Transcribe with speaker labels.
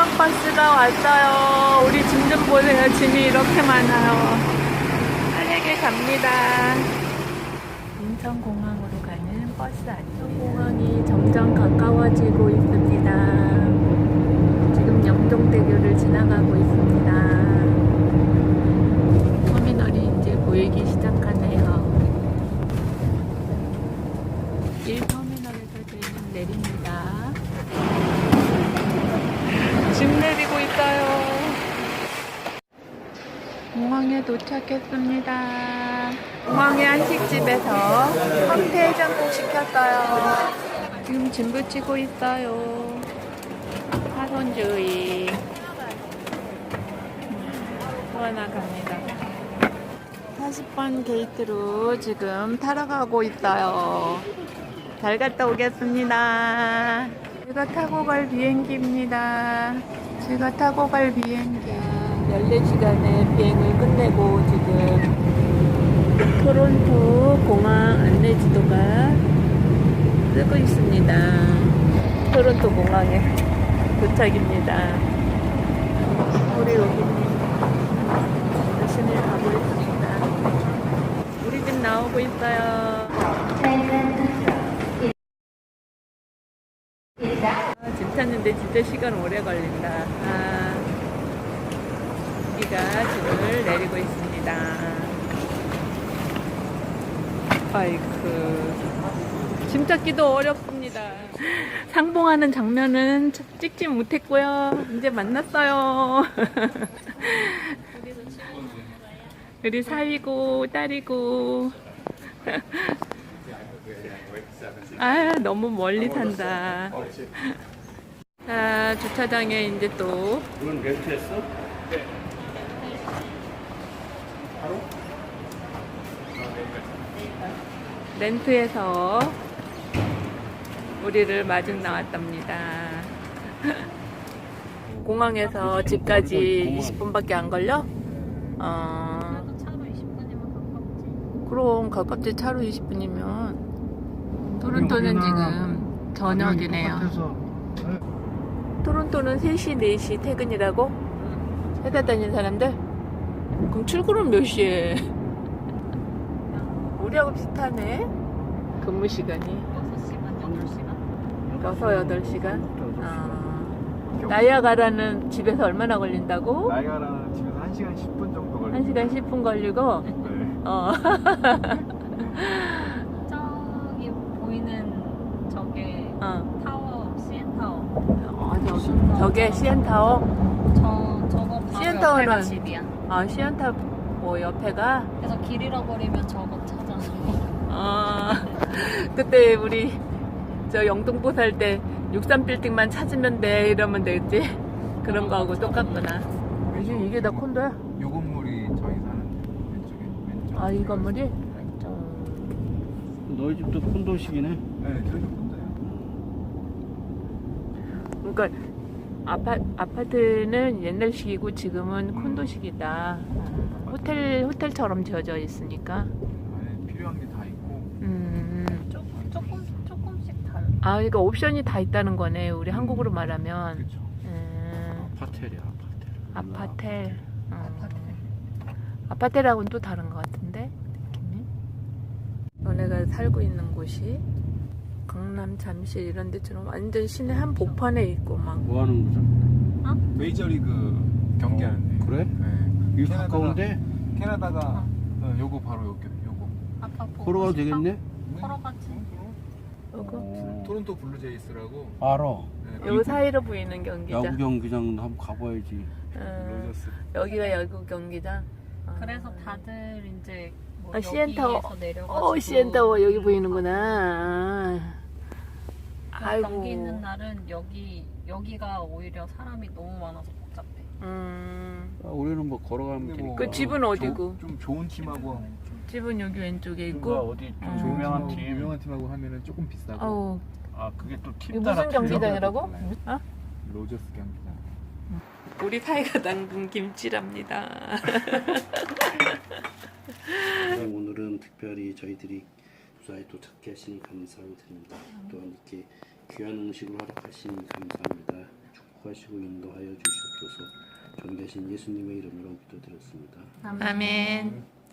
Speaker 1: 공항버스가 왔어요. 우리 짐 좀 보세요. 짐이 이렇게 많아요. 빠르게 갑니다. 인천공항으로 가는 버스 안내요. 공항이 점점 가까워지고 있습니다. 지금 영종대교를 지나가고 있습니다. 터미널이 이제 보이기 시작하네요. 1터미널에서 저희는 내립니다. 짐 내리고 있어요. 공항에 도착했습니다. 공항의 한식집에서 황태해장국 시켰어요. 지금 짐 붙이고 있어요. 파손주의. 나갑니다. 40번 게이트로 지금 타러 가고 있어요. 잘 갔다 오겠습니다. 제가 타고 갈 비행기입니다. 제가 타고 갈 비행기 14시간의 비행을 끝내고 지금 토론토 공항 안내지도가 뜨고 있습니다. 토론토 공항에 도착입니다. 우리 여기 열심히 가고 있습니다. 우리 집 나오고 있어요. 짐 찾는데 진짜 시간 오래 걸린다. 우리가 짐을 내리고 있습니다. 아이쿠, 짐 찾기도 어렵습니다. 상봉하는 장면은 찍지 못했고요. 이제 만났어요. 우리 사위고 딸이고. 아, 너무 멀리 산다. 자, 주차장에 이제 또.
Speaker 2: 이건 렌트했어? 네. 바로?
Speaker 1: 렌트해서 우리를 마중 나왔답니다. 공항에서 집까지 20분밖에 안 걸려?
Speaker 3: 그래도 차로 20분이면 가깝지.
Speaker 1: 그럼 가깝지. 차로 20분이면. 토론토는 지금 저녁이네요. 토론토는 3시, 4시 퇴근이라고? 회사 다니는 사람들? 그럼 출근은 몇 시에? 우리하고 비슷하네. 근무 시간이
Speaker 3: 6시간, 8시간?
Speaker 1: 8시간? 나이아가라는 집에서 얼마나 걸린다고?
Speaker 2: 나이가라는 집에서 1시간 10분 정도 걸리고
Speaker 1: 1시간 10분 걸리고?
Speaker 2: 네.
Speaker 3: 저기 보이는 저게 타워, CN 타워.
Speaker 1: 저게 CN타워?
Speaker 3: 저거 바로
Speaker 1: CN 타워는
Speaker 3: 옆에가 집이야.
Speaker 1: CN타워 뭐 옆에가?
Speaker 3: 그래서 길 잃어버리면 저거 찾아서.
Speaker 1: 그때 우리 저 영등포 살 때 63빌딩만 찾으면 돼 이러면 되겠지? 그런 거하고 똑같구나. 이게 다 콘도야?
Speaker 2: 요 건물이 저희 사는 왼쪽.
Speaker 1: 아, 이 건물이?
Speaker 4: 너희 집도 콘도식이네.
Speaker 2: 네, 저희도 콘도예요.
Speaker 1: 그러니까 아파트는 옛날식이고 지금은 콘도식이다. 호텔처럼 지어져 있으니까.
Speaker 2: 네, 필요한 게 다 있고.
Speaker 3: 조금씩 달라.
Speaker 1: 아, 그러니까 옵션이 다 있다는 거네. 우리 한국으로 말하면.
Speaker 2: 그렇죠.
Speaker 4: 아파텔이야, 아파텔.
Speaker 1: 아파텔. 아파텔하고는 또 다른 것 같은데 느낌이. 너네가 살고 있는 곳이 강남, 잠실 이런 데처럼 완전 시내 한복판에 있고 막.
Speaker 4: 뭐 하는 거죠?
Speaker 2: 메이저리그 경기하는데.
Speaker 4: 그래?
Speaker 2: 네.
Speaker 4: 이거 가까운데?
Speaker 2: 캐나다가 요거 바로 요거.
Speaker 3: 아까 보고
Speaker 4: 걸어가도
Speaker 3: 싶어?
Speaker 4: 되겠네?
Speaker 3: 걸어가지.
Speaker 1: 요거
Speaker 2: 토론토 블루제이스라고.
Speaker 4: 알아.
Speaker 2: 네,
Speaker 1: 요 사이로 보이는 경기장.
Speaker 4: 야구 경기장 한번 가봐야지.
Speaker 2: 로저스.
Speaker 1: 여기가 야구 경기장.
Speaker 3: 그래서 다들 이제 뭐
Speaker 1: CN타워.
Speaker 3: 여기에서 내려가지고
Speaker 1: CN타워 여기 보이는구나. 아이고.
Speaker 3: 경기 있는 날은 여기가 오히려 사람이 너무 많아서 복잡해.
Speaker 4: 우리는 뭐 걸어가면
Speaker 2: 근데
Speaker 4: 되니까.
Speaker 2: 뭐
Speaker 1: 그 집은 어디고?
Speaker 2: 좀 좋은 팀하고
Speaker 1: 집은 여기 왼쪽에
Speaker 4: 그러니까
Speaker 1: 있고.
Speaker 4: 어디 좀 유명한 팀.
Speaker 2: 유명한 팀하고 하면은 조금 비싸고.
Speaker 1: 어우,
Speaker 4: 아, 그게 또 팀
Speaker 1: 이게
Speaker 4: 따라
Speaker 1: 무슨 경기장이라고?
Speaker 2: 달라요.
Speaker 1: 어?
Speaker 2: 로저스 경기장.
Speaker 1: 우리 사이가 담근 김치랍니다.
Speaker 4: 오늘은 특별히 저희들이 무사히 도착해 하시니 감사를 드립니다. 또한 이렇게 귀한 음식을 허락하시니 감사합니다. 축복하시고 인도하여 주시옵소서. 존귀하신 예수님의 이름으로 기도드렸습니다.
Speaker 1: 아멘.